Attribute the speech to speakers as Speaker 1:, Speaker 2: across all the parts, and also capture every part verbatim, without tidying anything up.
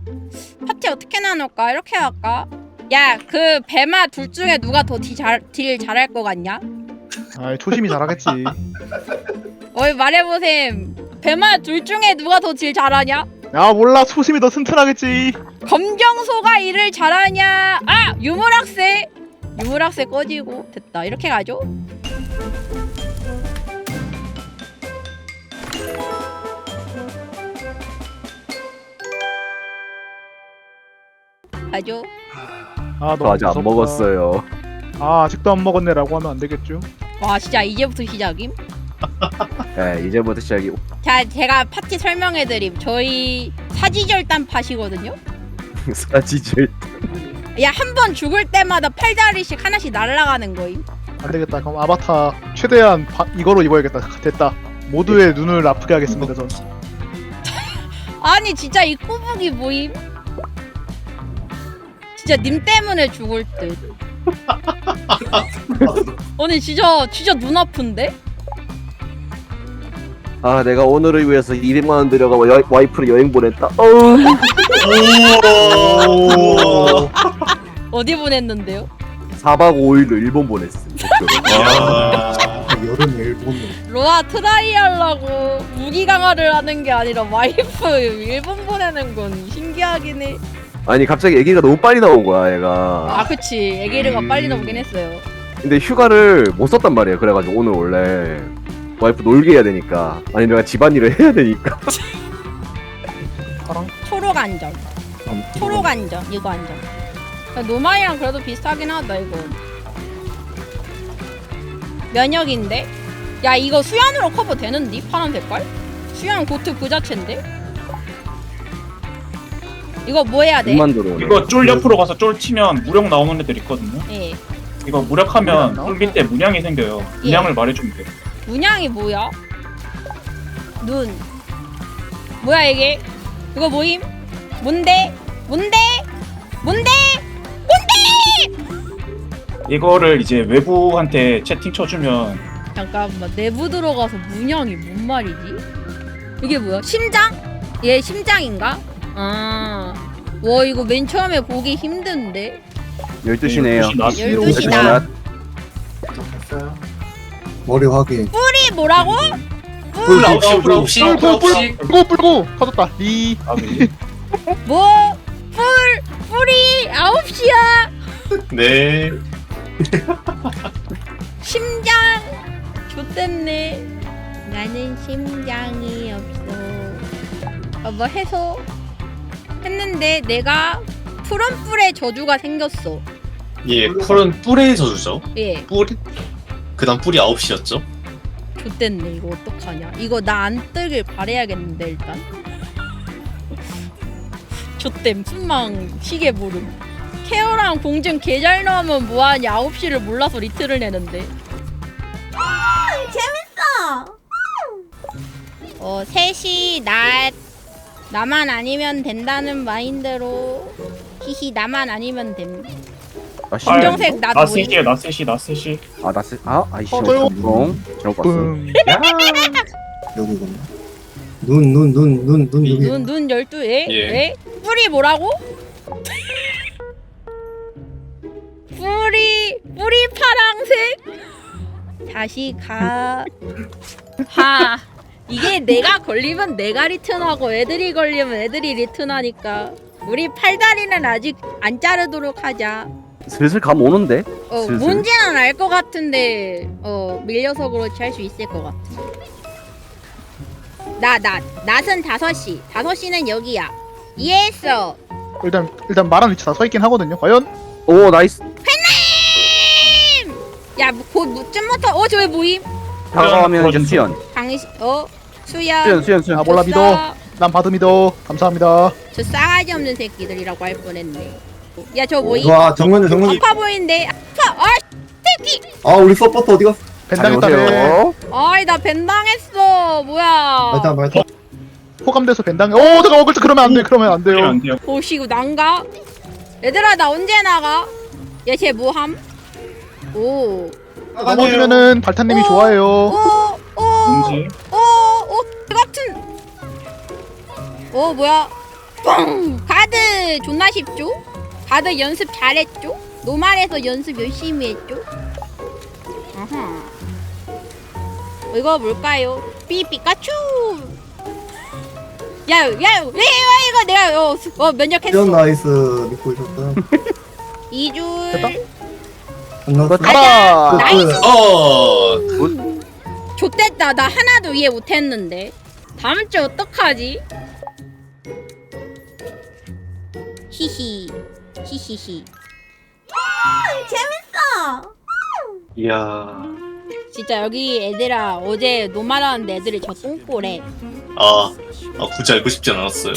Speaker 1: 파티 어떻게 나눌까? 이렇게 할까? 야, 그 배마 둘 중에 누가 더 딜 잘, 딜 잘할 것 같냐?
Speaker 2: 아 초심이 잘하겠지.
Speaker 1: 어이 말해보셈. 배마 둘 중에 누가 더 딜 잘하냐?
Speaker 2: 야 몰라 초심이 더 튼튼하겠지.
Speaker 1: 검정소가 일을 잘하냐? 아! 유물학세! 유물학세 꺼지고 됐다. 이렇게 가죠? 가죠?
Speaker 2: 아
Speaker 3: 저 아직 안
Speaker 2: 무섭다.
Speaker 3: 먹었어요.
Speaker 2: 아 아직도 안 먹었네라고 하면 안 되겠죠.
Speaker 1: 와 진짜 이제부터 시작임?
Speaker 3: 네, 이제부터 시작이.
Speaker 1: 자 제가 파티 설명해드림. 저희 사지절단 팟이거든요?
Speaker 3: 사지질.
Speaker 1: 야 한 번 죽을 때마다 팔다리씩 하나씩 날아가는 거임.
Speaker 2: 안 되겠다. 그럼 아바타 최대한 바, 이거로 입어야겠다. 됐다. 모두의 눈을 아프게 하겠습니다. 전.
Speaker 1: 아니 진짜 이 꼬북이 뭐임? 진짜 님 때문에 죽을 듯. 아니 진짜 진짜 눈 아픈데?
Speaker 3: 아, 내가 오늘을 위해서 이백만 원 들여가 여, 와이프를 여행 보냈다. 어우.
Speaker 4: 오.
Speaker 1: 어디 보냈는데요?
Speaker 3: 사 박 오 일로 일본 보냈음.
Speaker 4: 아.
Speaker 5: 여름 일본
Speaker 1: 로아 트라이 하려고 무기 강화를 하는 게 아니라 와이프 일본 보내는 건 신기하긴 해.
Speaker 3: 아니 갑자기 애기가 너무 빨리 나온 거야, 얘가.
Speaker 1: 아 그치 애기르가
Speaker 4: 음.
Speaker 1: 빨리 나오긴 했어요.
Speaker 3: 근데 휴가를 못 썼단 말이에요. 그래가지고 오늘 원래 와이프 놀게 해야 되니까, 아니 내가 집안일을 해야 되니까.
Speaker 1: 초록 안전 초록 안전 이거 안전. 노마이랑 그래도 비슷하긴 하다 이거. 면역인데? 야 이거 수연으로 커버 되는디? 파란 색깔? 수연 고트 그 자체인데? 이거 뭐 해야 돼?
Speaker 3: 눈만 들어오네.
Speaker 4: 이거 쫄 옆으로 가서 쫄 치면 무력 나오는 애들 있거든요.
Speaker 1: 예.
Speaker 4: 이거 무력하면
Speaker 2: 무력
Speaker 4: 쫄 밑에 문양이 생겨요. 문양을 말해주면 돼.
Speaker 1: 문양이 뭐야? 눈. 뭐야 이게? 이거 뭐임? 뭔데? 뭔데? 뭔데?
Speaker 4: 이거를 이제 외부한테 채팅 쳐주면
Speaker 1: 잠깐만 내부 들어가서 문양이 뭔 말이지? 이게 뭐야? 심장? 얘 심장인가? 아. 와 이거 맨 처음에 보기 힘든데?
Speaker 3: 열두 시네요.
Speaker 1: 열두 시다.
Speaker 5: 머리 확인.
Speaker 1: 뿔이 뭐라고?
Speaker 4: 뿔 아홉 시, 뿔 아홉 시, 뿔
Speaker 2: 뿔뿔
Speaker 4: 아홉
Speaker 2: 뿔
Speaker 4: 시.
Speaker 2: 뿔고 뿔고 터졌다. 리.
Speaker 4: 아, 네.
Speaker 1: 뭐? 뿔! 뿔이 아홉 시야!
Speaker 4: 네.
Speaker 1: 심장! 좋댔네. 나는 심장이 없어. 아, 뭐 해서 했는데 내가 푸른 뿔의 저주가 생겼어.
Speaker 6: 예, 뿔은 뿔의 저주죠.
Speaker 1: 예,
Speaker 6: 뿔, 그다음 뿔이 아홉 시였죠.
Speaker 1: 좋댔네. 이거 어떡하냐. 이거 나 안 뜨길 바래야겠는데 일단. 좋댐 순망 시계 모름. 케어랑 공증 개 잘 나오면 뭐하냐. 아홉 시를 몰라서 리트를 내는데. 재밌어. 어 셋이 나 나만 아니면 된다는 마인드로 히히 나만 아니면 됨.
Speaker 3: 아, 씨.
Speaker 1: 검정색 나도
Speaker 4: 나
Speaker 1: 보임.
Speaker 4: 셋이야, 나 셋이, 나 셋이.
Speaker 3: 아, 나 쓰, 아, 아이씨.
Speaker 2: 어, 저요.
Speaker 3: ong 잘못 봤어.
Speaker 2: 뿡.
Speaker 5: 여기구나. 눈, 눈, 눈, 눈, 눈, 여기.
Speaker 1: 눈, 눈 열두 에?
Speaker 6: 예.
Speaker 1: 에? 뿔이 뭐라고? 뿔이 뿔이 파랑색? 자식아. 하. 이게 내가 걸리면 내가 리턴하고 애들이 걸리면 애들이 리턴하니까 우리 팔다리는 아직 안 자르도록 하자.
Speaker 3: 슬슬 감 오는데?
Speaker 1: 어
Speaker 3: 슬슬.
Speaker 1: 뭔지는 알 것 같은데 어 밀려서 그렇지 할 수 있을 것 같아. 나, 나, 낫은 다섯 시. 다섯 시는 여기야. 이해했어.
Speaker 2: 일단 일단 말한 위치 다 서 있긴 하거든요. 과연
Speaker 3: 오, 나이스.
Speaker 1: 팬님! 야, 곧 무쯤부터, 어, 저기 모임?
Speaker 3: 다가가면
Speaker 4: 떨어졌어.
Speaker 3: 수연.
Speaker 1: 당신, 어, 수야.
Speaker 3: 수연, 수연, 수연.
Speaker 2: 아 몰라 믿어. 난 받음 믿어. 감사합니다.
Speaker 1: 저 싸가지 없는 새끼들이라고 할 뻔했네. 야, 저 모임?
Speaker 5: 와, 정면에, 정면에.
Speaker 1: 아파 보이는데. 아파! 아, 새끼!
Speaker 5: 아, 우리 서포터 어디 갔어?
Speaker 2: 벤당했다네.
Speaker 3: 안녕하세요.
Speaker 1: 아이, 나 벤당했어. 뭐야.
Speaker 5: 말타, 말타.
Speaker 2: 호감돼서 벤당해. 오 잠깐만 그렇지 그러면 안 돼. 그러면 안
Speaker 4: 그러면
Speaker 2: 돼요.
Speaker 4: 안 돼요.
Speaker 1: 보시고 난가? 얘들아, 나 언제 나가? 얘 쟤 뭐함? 오.
Speaker 2: 넘어지면은 발탄님이
Speaker 1: 오,
Speaker 2: 좋아해요.
Speaker 1: 오, 오,
Speaker 4: 뭔지.
Speaker 1: 오, 오, 같은. 오, 뭐야? 뻥! 가드! 다들 존나 쉽죠? 다들 연습 잘했죠? 노말에서 연습 열심히 했죠? 아하. 이거 뭘까요? 삐삐까츄. 야, 야, 야, 이거 이거 내가 어, 수- 어 면역했어.
Speaker 5: 이런 나이스 믿고 있었다.
Speaker 1: 이 줄.
Speaker 2: 됐다?
Speaker 5: 끝났어.
Speaker 2: 가라.
Speaker 1: 나이스.
Speaker 6: 어.
Speaker 1: 좆됐다. 나 하나도 이해 못했는데. 다음 주 어떡하지? 히히. 히히히. 재밌어.
Speaker 6: 이야.
Speaker 1: 진짜 여기 애들아 어제 노말하는데 애들이 저 똥꼬래.
Speaker 6: 아, 아 굳이 알고 싶지 않았어요.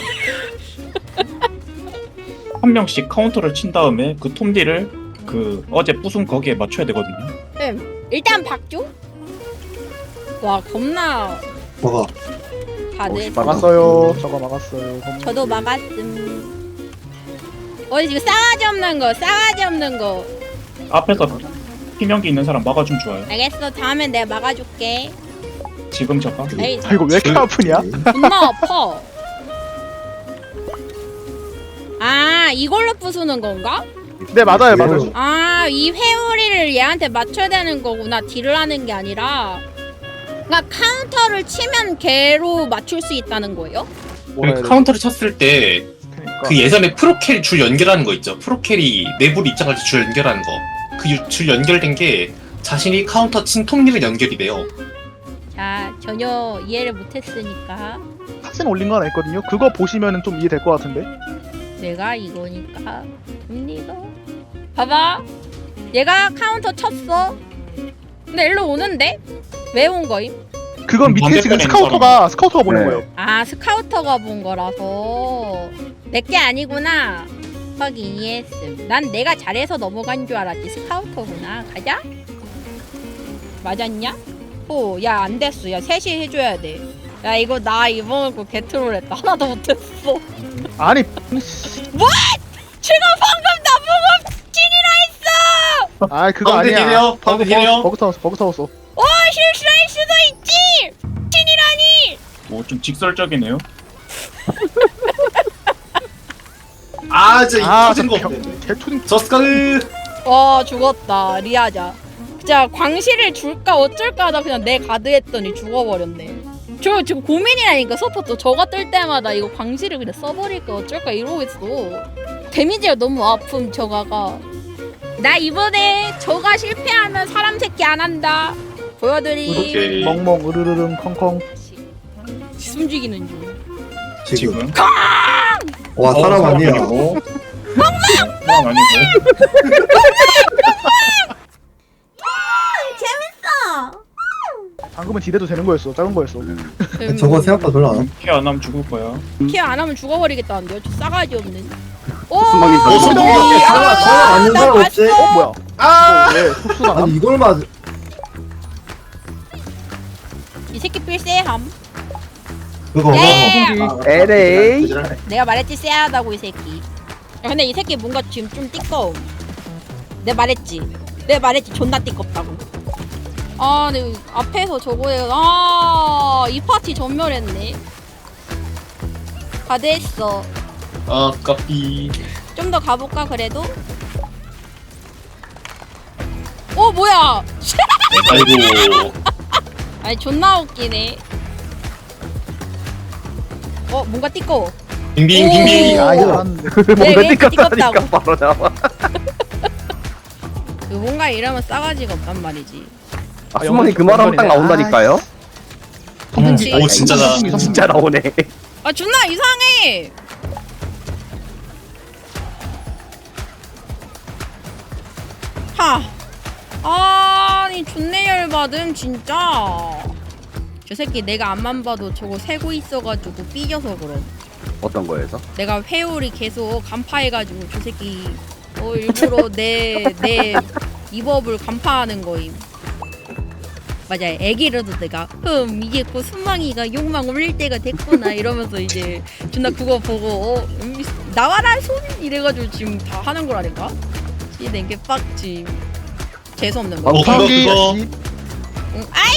Speaker 4: 한 명씩 카운터를 친 다음에 그 톰디를 그 어제 부순 거기에 맞춰야 되거든요.
Speaker 1: 음, 일단 박죠? 와 겁나
Speaker 5: 먹어.
Speaker 1: 다들.
Speaker 3: 어,
Speaker 2: 막았어요. 저거 막았어요.
Speaker 1: 저도 막았음. 어 지금 싸가지 없는 거, 싸가지 없는 거.
Speaker 4: 앞에서 피명기 있는 사람 막아주면 좋아요.
Speaker 1: 알겠어. 다음엔 내가 막아줄게.
Speaker 4: 지금 저가.
Speaker 1: 에이,
Speaker 2: 아 이거 왜 이렇게 아프냐?
Speaker 1: 존나 아파. 아 이걸로 부수는 건가?
Speaker 2: 네 맞아요 맞아요.
Speaker 1: 아 이 회오리를 얘한테 맞춰야 되는 거구나. 딜을 하는 게 아니라. 그러니까 카운터를 치면 걔로 맞출 수 있다는 거예요?
Speaker 2: 뭐라 해야 돼?
Speaker 6: 카운터를 쳤을 때 그
Speaker 2: 그러니까
Speaker 6: 예전에 프로캐리 줄 연결하는 거 있죠. 프로캐리 내부로 입장할 때 줄 연결하는 거. 그 줄 연결된 게 자신이 카운터 친 톱니를 연결이 돼요.
Speaker 1: 자 전혀 이해를 못했으니까
Speaker 2: 사진 올린 거 하나 있거든요. 그거 보시면은 좀 이해될 것 같은데.
Speaker 1: 내가 이거니까 톱니가 봐봐. 얘가 카운터 쳤어. 근데 일로 오는데? 왜 온 거임?
Speaker 2: 그건 밑에 지금
Speaker 4: 반대편에
Speaker 2: 스카우터가 스카우터가 보는
Speaker 3: 네.
Speaker 2: 거예요.
Speaker 1: 아 스카우터가 본 거라서 내게 아니구나. 확인 이해했음. 난 내가 잘해서 넘어간 줄 알았지. 스카우터구나. 가자. 맞았냐? 오, 야 안 됐어. 야 셋이 해줘야 돼. 야 이거 나 이번 거 개트롤했다. 하나도 못했어.
Speaker 2: 아니
Speaker 1: 지금 방금 나보고 찐이라 했어.
Speaker 2: 아 그거
Speaker 6: 가운데
Speaker 2: 아니야.
Speaker 6: 힐해요? 가운데
Speaker 2: 버그,
Speaker 6: 힐해요?
Speaker 2: 버그 타웠어 버그 타웠어.
Speaker 1: 오 실수할 수도 있지. 찐이라니.
Speaker 4: 뭐 좀 직설적이네요.
Speaker 6: 아, 진짜
Speaker 2: 아
Speaker 6: 이 터진 거.
Speaker 2: 개투딩
Speaker 6: 저스카르.
Speaker 1: 와 죽었다. 리아자. 진짜 광시를 줄까 어쩔까 하다 그냥 내 가드 했더니 죽어버렸네. 저 지금 고민이라니까 서포터 저가 뜰 때마다 이거 광시를 그냥 써버릴까 어쩔까 이러고 있어. 데미지가 너무 아픔 저가가. 나 이번에 저가 실패하면 사람 새끼 안 한다. 보여드리.
Speaker 6: 오케이.
Speaker 2: 멍멍 으르르릉 컹컹.
Speaker 1: 숨죽이는 중.
Speaker 5: 지금.
Speaker 4: 지금.
Speaker 5: 와
Speaker 4: 어,
Speaker 5: 사람 아니야.
Speaker 4: 아니고. 사람 아니고.
Speaker 2: 방금은 딜해도 되는 거였어. 작은 거였어.
Speaker 3: 음.
Speaker 5: 저거 생각보다 별로 안 와.
Speaker 4: 케어 안 하면 죽을 거야.
Speaker 1: 케어 안 하면 죽어버리겠다는데요. 저 싸가지 없는. 오.
Speaker 3: 수박이
Speaker 6: 어, 수박이.
Speaker 5: 사람 사람 아닌
Speaker 1: 나
Speaker 5: 사람 없지?
Speaker 1: 봤어.
Speaker 2: 어 뭐야?
Speaker 6: 아,
Speaker 2: 이거 왜 흡수가 나?
Speaker 5: 아니 이걸 맞.
Speaker 1: 이 새끼 필세함.
Speaker 5: 그거.
Speaker 1: 예.
Speaker 3: 에레이.
Speaker 1: 내가 말했지 쎄하다고 이 새끼. 야, 근데 이 새끼 뭔가 지금 좀 띠꺼움. 내가 말했지. 내가 말했지 존나 띠껍다고. 아, 근데 앞에서 저거에 아이 파티 전멸했네. 가드했어.
Speaker 6: 아, 까비.
Speaker 1: 좀 더 가볼까 그래도? 어 뭐야?
Speaker 6: 아이고.
Speaker 1: 아니 존나 웃기네. 어 뭔가 띠꺼워.
Speaker 6: 빙빙
Speaker 1: 오.
Speaker 6: 빙빙.
Speaker 2: 아 이거 알았는데.
Speaker 1: 왜
Speaker 3: 뭔가
Speaker 1: 이렇게
Speaker 3: 띠껍다니까
Speaker 1: 띠껍다고?
Speaker 3: 바로 나와.
Speaker 1: 그 뭔가 이러면 싸가지가 없단 말이지.
Speaker 3: 아, 수만이 그 말하면 딱 나온다니까요.
Speaker 1: 그치?
Speaker 6: 오, 진짜다.
Speaker 3: 진짜 나오네.
Speaker 1: 아 존나 이상해. 하. 아니 존내 열받음 진짜. 저 새끼 내가 앞만 봐도 저거 세고 있어가지고 삐져서 그럼.
Speaker 3: 어떤 거에서?
Speaker 1: 내가 회오리 계속 간파해가지고 저 새끼 어 일부러 내 내 입업을 간파하는 거임. 맞아, 애기라도 내가 흠 이게 곧 순망이가 욕망 올릴 때가 됐구나 이러면서 이제 존나 그거 보고 어 음, 나와라 손 이래가지고 지금 다 하는 거라니까. 씨낸 게 빡지. 재수 없는 거.
Speaker 6: 어, 그거,
Speaker 2: 방귀
Speaker 6: 그거.
Speaker 2: 씨.
Speaker 1: 응, 아이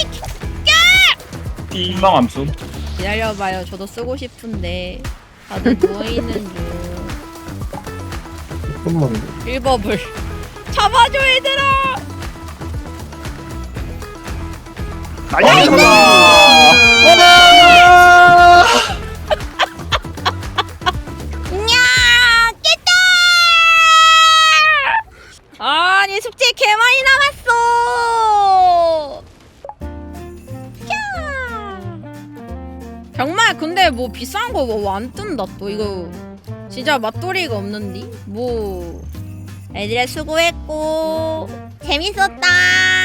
Speaker 4: 희망 함수.
Speaker 1: 기다려봐요. 저도 쓰고 싶은데 다들 누워 있는 중.
Speaker 5: 좀만
Speaker 1: 일버블 잡아줘 얘들아.
Speaker 2: 나이스!
Speaker 1: 야 깼다. 아니 숙제 개 많이 남았어. 야. 정말 근데 뭐 비싼 거 뭐 안 뜬다 또 이거 진짜 맛돌이가 없는디 뭐 애들아 수고했고 재밌었다.